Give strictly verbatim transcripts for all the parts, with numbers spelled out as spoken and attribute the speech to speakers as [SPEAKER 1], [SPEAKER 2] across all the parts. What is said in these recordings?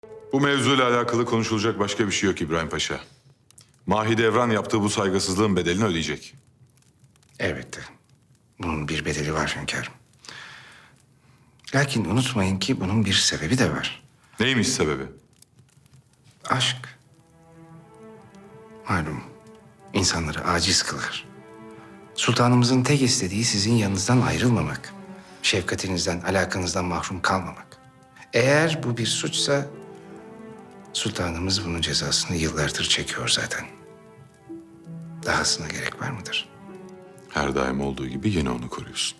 [SPEAKER 1] Bu mevzuyla alakalı konuşulacak başka bir şey yok İbrahim Paşa. Mahidevran yaptığı bu saygısızlığın bedelini ödeyecek.
[SPEAKER 2] Elbette. Bunun bir bedeli var hünkârım. Lakin unutmayın ki bunun bir sebebi de var.
[SPEAKER 1] Neymiş sebebi?
[SPEAKER 2] Aşk. Malum insanları aciz kılar. Sultanımızın tek istediği sizin yanınızdan ayrılmamak. Şefkatinizden, alakanızdan mahrum kalmamak. Eğer bu bir suçsa sultanımız bunun cezasını yıllardır çekiyor zaten. Dahasına gerek var mıdır?
[SPEAKER 1] Her daim olduğu gibi yine onu koruyorsun.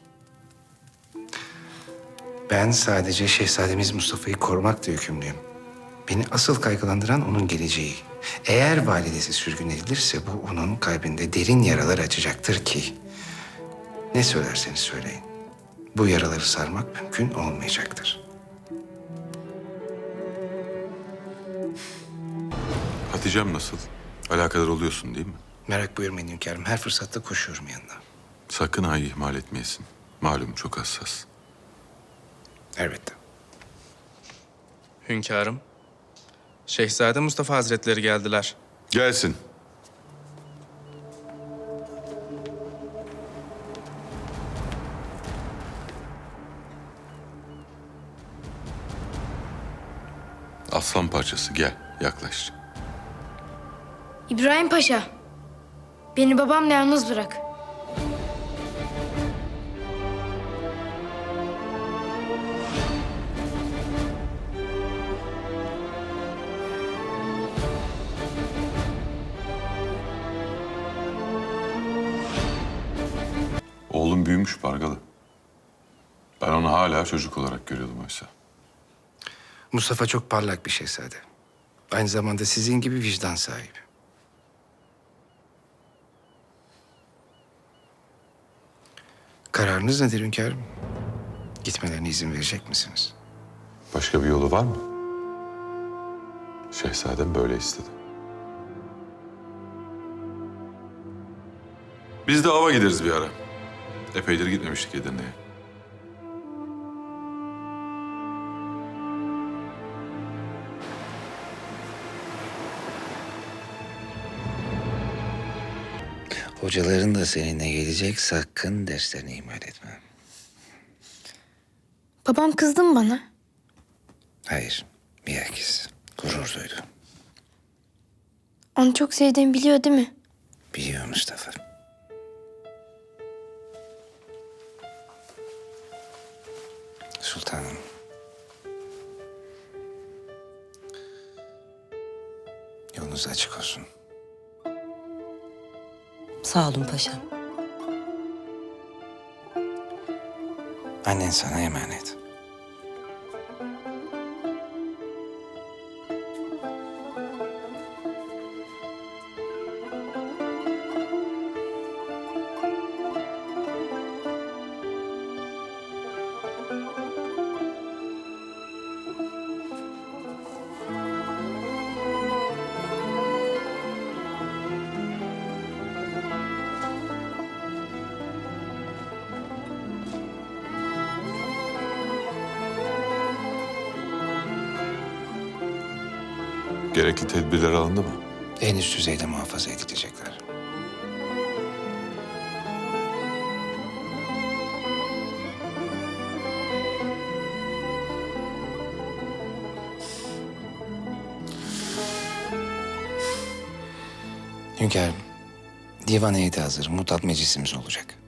[SPEAKER 2] Ben sadece şehzademiz Mustafa'yı korumakla yükümlüyüm. Beni asıl kaygılandıran onun geleceği. Eğer validesi sürgün edilirse bu onun kalbinde derin yaralar açacaktır ki... ...ne söylerseniz söyleyin. Bu yaraları sarmak mümkün olmayacaktır.
[SPEAKER 1] Hatice'm nasıl? Alakadar oluyorsun değil mi?
[SPEAKER 2] Merak buyurmayın hünkârım. Her fırsatta koşuyorum yanına.
[SPEAKER 1] Sakın Ay'ı ihmal etmeyesin. Malum çok hassas.
[SPEAKER 2] Elbette.
[SPEAKER 3] Hünkârım, Şehzade Mustafa Hazretleri geldiler.
[SPEAKER 1] Gelsin. Aslan parçası gel, yaklaş.
[SPEAKER 4] İbrahim Paşa, beni babamla yalnız bırak.
[SPEAKER 1] Oğlum büyümüş Pargalı. Ben onu hala çocuk olarak görüyordum oysa.
[SPEAKER 2] Mustafa çok parlak bir şehzade. Aynı zamanda sizin gibi vicdan sahibi. Kararınız nedir hünkârım? Gitmelerine izin verecek misiniz?
[SPEAKER 1] Başka bir yolu var mı? Şehzadem böyle istedi. Biz de ava gideriz bir ara. Epeydir gitmemiştik Edirne'ye.
[SPEAKER 2] Hocaların da seninle gelecek, sakın derslerini ihmal etme.
[SPEAKER 4] Babam kızdı mı bana?
[SPEAKER 2] Hayır, bilakis gurur duydu.
[SPEAKER 4] Onu çok sevdiğimi biliyor değil mi?
[SPEAKER 2] Biliyor Mustafa. Sultanım. Yolunuz açık olsun.
[SPEAKER 5] Sağ olun paşam.
[SPEAKER 2] Annen sana emanet.
[SPEAKER 1] Gerekli tedbirler alındı mı?
[SPEAKER 2] En üst düzeyde muhafaza edilecekler. Hünkârım, divan heyeti hazır. Mutat meclisimiz olacak.